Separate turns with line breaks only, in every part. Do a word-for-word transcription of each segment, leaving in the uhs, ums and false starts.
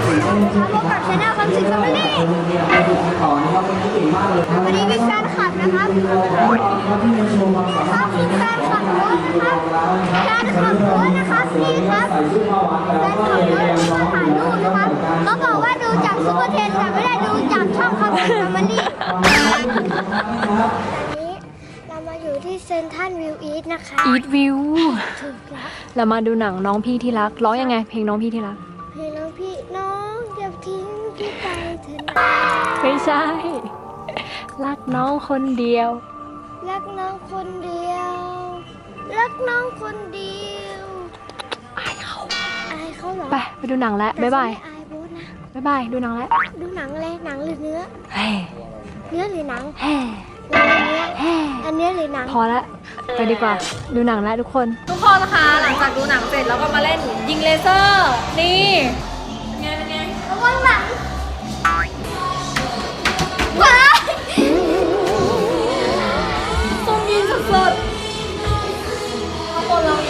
พบกับชาแนลคำสิงห์แฟมิลี่วันนี้มีแฟนคลับนะครับเขาคือแฟนคลับโน้ตนะครับแฟนคลับโน้ตนะครับนี่ครับแฟนคลับโน้ตมาถ่ายรูปนะครับเขาบอกว่าดูจากซุปเปอร์เทนแต่ไม่ได้ดูจากช่องคำสิงห์แฟมิลี่เรามาอยู่ที่เซนทรัลวิวอีทนะคะ
อีทวิว
ถูกแล้ว
เรามาดูหนังน้องพี่ที่รักร้องยังไงเพลงน้องพี่ที่รัก
เพลงน้องพี่น้องอย่าทิ้งพี่ไปเถอะนะ
ไม่ใช่ รักน้องคนเดียว
รักน้องคนเดียวรักน้องคนเดียว
อายเขา
อายเขาเหรอ
ไปไปดูหนังแล้วบ๊ายบาย
แต่ฉันไม่อายโบ๊ทนะ
บ๊ายบายดูหนังแล้ว
ดูหนังเลยหนังหรือเนื้อ
เฮ้
เนื้อหรือหนัง
เฮ้
เนื้อ
เฮ้
อันเนื้อหรือหนัง
พอละไปดีกว่าดูหนังแล้วทุกคน
ทุกคนนะคะหลังจากดูหนังเสร็จแล้วก็มาเล่นยิงเลเซอร์นี่ไงเป็นไง
ระวังหลังว้าย
ส้มยิงสดๆข้างบนเรามี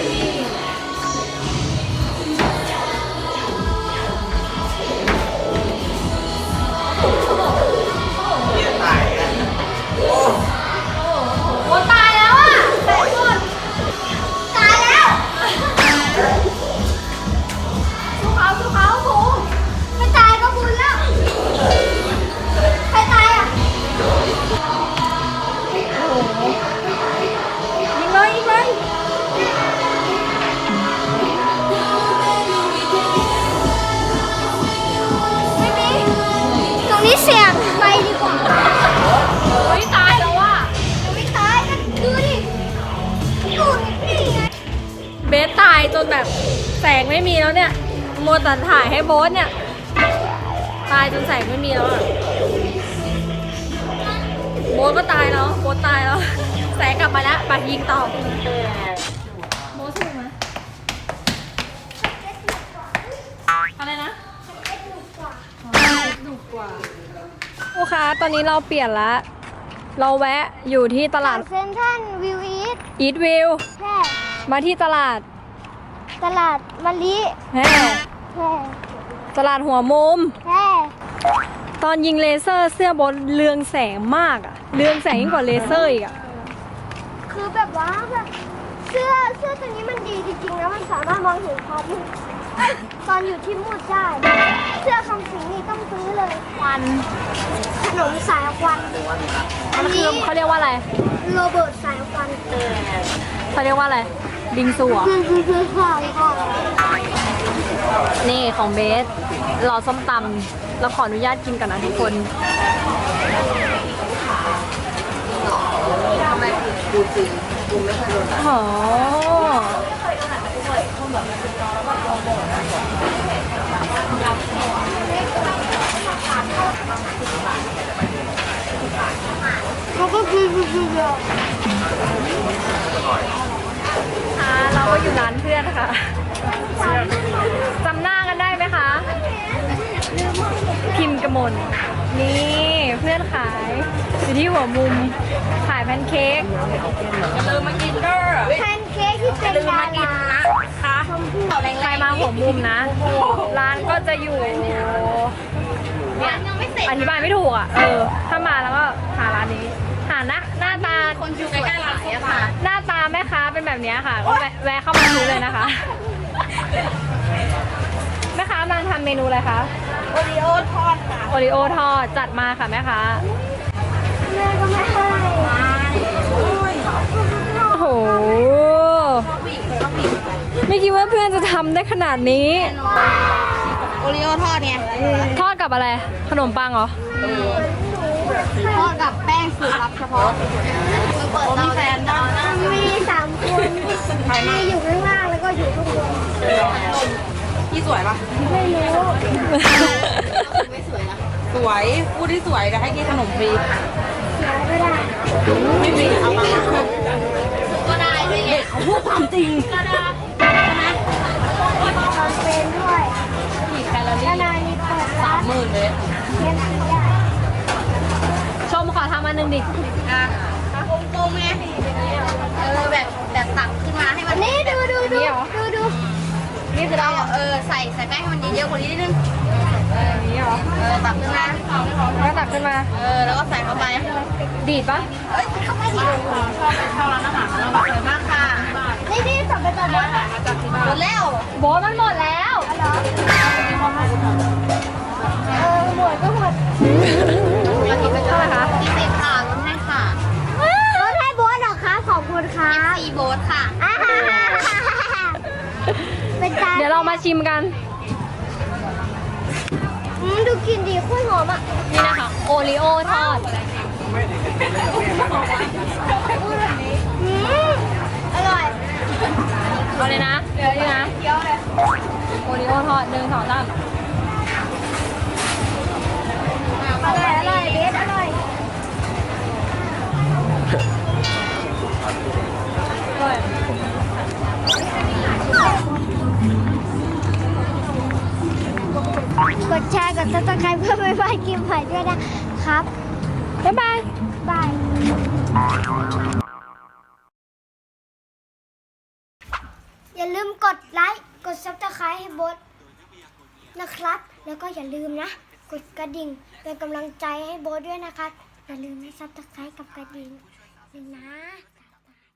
โอ้ตายแล้วอ่ะตายหมด
ตายแล้ว
สู้เขาสู้เขาโห
ไม่ตายก็บุญแล้วใครตายอ่ะ
ยิงเลยยิงเลย
ไม่มีตรงนี้เสี่ยงไปดีกว่า
เฮ้ยตายแล้วอ่ะ
ยังไม่ตายกันดูดิดูนี่ไง
เบสตายจนแบบแสงไม่มีแล้วเนี่ยโมวแต่ถ่ายให้โบ๊ทเนี่ยตายจนแสงไม่มีแล้วอ่ะโบ๊ทก็ตายแล้วโบ๊ทตายแล้วแสงกลับมาแล้วไปยิงต่อโบ๊ทถูกไหมอะไรนะดุกว่าลูกค้าตอนนี้เราเปลี่ยนละเราแวะอยู่ที่ตลาด
เซนทรัลวิวอีท
อีทวิว
แพร่
มาที่ตลาด
ตลาดมะลิ
แห่
แพร่
ตลาดหัวมุม
แพร่
ตอนยิงเลเซอร์เสื้อบนเรืองแสงมากอะเรืองแสงยิ่งกว่าเลเซอร์อีกอะ
คือแบบว่าแบบเสื้อเสื้อตัวนี้มันดีจริงๆนะมันสามารถมองเห็นความมืดเอ้ยตอนอยู่ที่มืดได้เสื้อคำสิงนี่ต้องซื้อเลยควันขนมสายควันอัน
มันคื
นี้
อเขาเรียกว่าอะไร
โรเบิร์ตสายควัน
เขาเรียกว่าอะไร บิงซูเหรอ
คือคือคือสายควัน
นี่ของเบสรอส้มตำเราขออนุญาตกินกันนะทุกคนทำไมกูจริงกูไม่เคยโดนอ๋อ
แล้วก็คือคือคือ
ค่ะเราก็อยู่ร้านเพื่อนค่ะจำหน้ากันได้ไหมคะ พิมพ์กมลนี่เพื่อนขายอยู่ที่หัวมุมขายแพนเค้กอย่าลืมมากินเด้อ
แพนเค้กที่เป็นดารา
ค่ะใครมาหัวมุมนะ ร้านก็จะอยู่เนี่ยอธิบายไม่ถูกอ่ะ เออ ถ้ามาแล้วก็หาร้านนี้ หาหน้าหน้าตาคนอยู่ใกล้ๆร้านอะค่ะ หน้าตาแม่ค้าเป็นแบบนี้ค่ะก็แวะแวะเข้ามาซื้อเลยนะคะ แม่ค้ากำลังทำเมนูอะไรคะ
โอริโอทอดค่ะ
โอริโอทอดจัดมาค่ะแม่ค้า
แม่ก็ไม่ให้
โอ้โห ไม่คิดว่าเพื่อนจะทำได้ขนาดนี้
โอริโอทอดไง
ทอดกับอะไร ขนมปังเหรอ
ทอดกับแป้งสูตรลับเฉพาะมีแฟนมีสามคนมีอยู่ข้างล่างแล้วก็อยู่ข้างบน
พี่สวยปะ
ไม่รู้
สวยพูดที่สวยเดี๋ยวให้กินขนมฟรี
เสียไม่ได้
ไม่ฟรีเอามา
ก็ได้ด้วยไง
เขาพูดความจริง
ก็ได้ใช่ไหมทำเป็นด้วยแล้วนายมีเปิดร้าน
หมื่นเลย
เลี้ยงผีได้
ชมขอทำอันหนึ่งดิ
อ่ะกลมๆไงเออแบบแบบตักขึ้นมาให้มัน
นี่ดูดูดูดูดู
นี่คือเราเออใส่ใส่แป้งให้มันเยอะๆกว่านี้นิดนึง
เ
เออตักขึ้นมา
แล้วตักขึ้นมา
เออแล้วก็ใส่เข้าไป
ดีดปะ
เอ้ยเข้าไปดิชอบไปเข้าร้านอาหารแล้วอร่อยมากค่ะ
นี่นี่สั่งไปตอนนี้
หมดแล้ว
โบทมันหมดแล้ว
เออหมดก็หมด
มากินไป
เท่าไหร่คะ
ยี่สิบค่ะลดให้ค่ะ
รถให้โบสเหรอคะขอบคุณครับ
ซีโบ๊ทค่ะ
อ่าเป็นจาน
เดี๋ยวเรามาชิมกัน
อืมดูกลิ่นดีโคตรหอมอ่ะ
นี่นะคะ โอริโอทอด
อืมอร่อย
เอาเลยนะ เดี๋ยวนี่นะ
เคี้ยวเลย
โอริโอทอดหนึ่งสองสาม
อร่อยอร่อยเบสอร่อย
อร่อย
กดแชร์กดซับสไครป์เพื่อไม่พลาดคลิปใหม่ด้วยนะครับ
บ๊ายบาย
บาย อย่าลืมกดไลค์ กดซับสไครป์ให้โบทนะครับ แล้วก็อย่าลืมนะ กดกระดิ่งเป็นกำลังใจให้โบทด้วยนะครับ อย่าลืมนะซับสไครป์กับกระดิ่งเลยนะ